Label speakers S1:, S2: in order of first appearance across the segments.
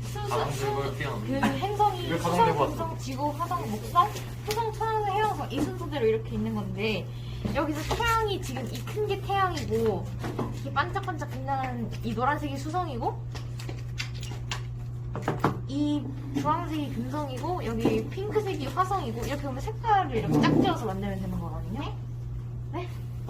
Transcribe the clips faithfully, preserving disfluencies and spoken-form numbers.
S1: 가방 들고
S2: 그
S1: 뛰어넘는.
S2: 행성이
S1: 왜 가방
S2: 수성,
S1: 들고 왔어?
S2: 금성, 지구, 화성, 목성, 토성, 천왕, 해왕성 이 순서대로 이렇게 있는 건데 여기서 태양이 지금 이 큰 게 태양이고 이렇게 반짝반짝 빛나는 이 노란색이 수성이고 이 주황색이 금성이고 여기 핑크색이 화성이고 이렇게 보면 색깔을 이렇게 짝지어서 만들면 되는 거거든요. 네?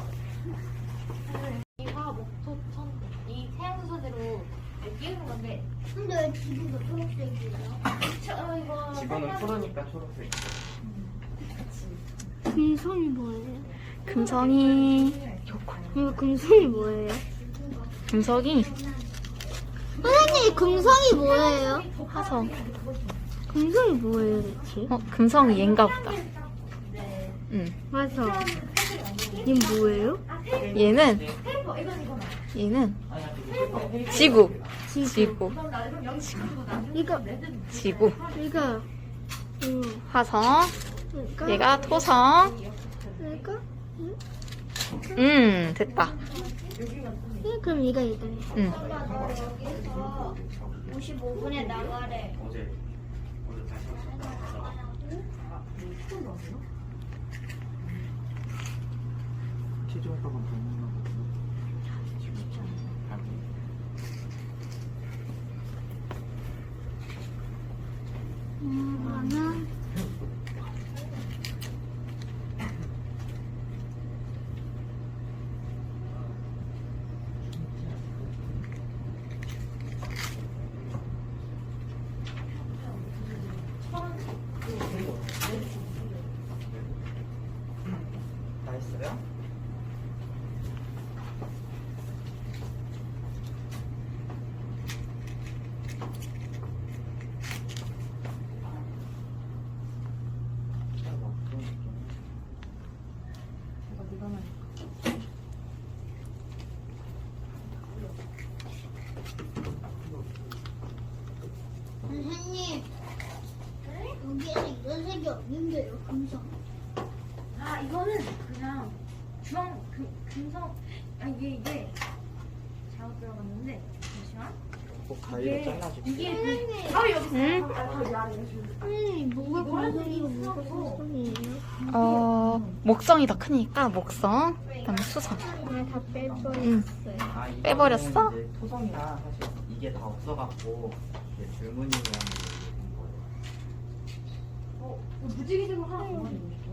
S2: 이 화, 목, 토, 천, 이 태양 순서대로 끼우는 건데
S3: 근데 왜 지구가 초록색이에요?
S2: 저 이거
S1: 지구는 푸르니까 초록색.
S3: 금성이 뭐예요?
S4: 금성이
S3: 이거 금성이 뭐예요?
S4: 금성이
S3: 선생님 금성이 뭐예요?
S4: 화성.
S3: 금성이 뭐예요 대체?
S4: 어 금성이 얘인가 보다. 응.
S3: 맞아. 얘 뭐예요?
S4: 얘는 얘는 지구. 지구.
S3: 이거
S4: 지구.
S3: 이거 음,
S4: 화성.
S3: 이거
S4: 얘가 토성.
S3: 이거
S4: 음 됐다.
S3: 이 그럼 이거 이거.
S4: 응.
S3: 여기서 오십오 분에 나가래.
S1: 어제 어제 다시 왔어. 체중 효과가 보는 거거든요. 지금 가기.
S3: 음, 나는
S1: 다 했어요?
S3: 선생님 여기에는 이런 색이 없는데요 금성.
S2: 아 이거는 그냥 주황 금, 금성 아 이게 이게 잘못 들어갔는데 잠시만
S1: 꼭 가위로 잘라줄게.
S2: 이게 그 가위 여기 있어.
S4: 응?
S2: 가위 아래 여기.
S3: 선생님 뭐가 금성이고 뭐가
S2: 금성이고.
S3: 금성이에요?
S4: 어 목성이 더 크니까 목성. 그다음에 수성.
S3: 그냥 다 빼버렸어요.
S4: 응.
S1: 아, 이거는
S4: 빼버렸어?
S1: 이제 토성이라 사실 이게 다 없어갖고 이게 줄무늬 모양으로 된 거예요.
S2: 어, 무지개색으로 하나 더 넣어줄게.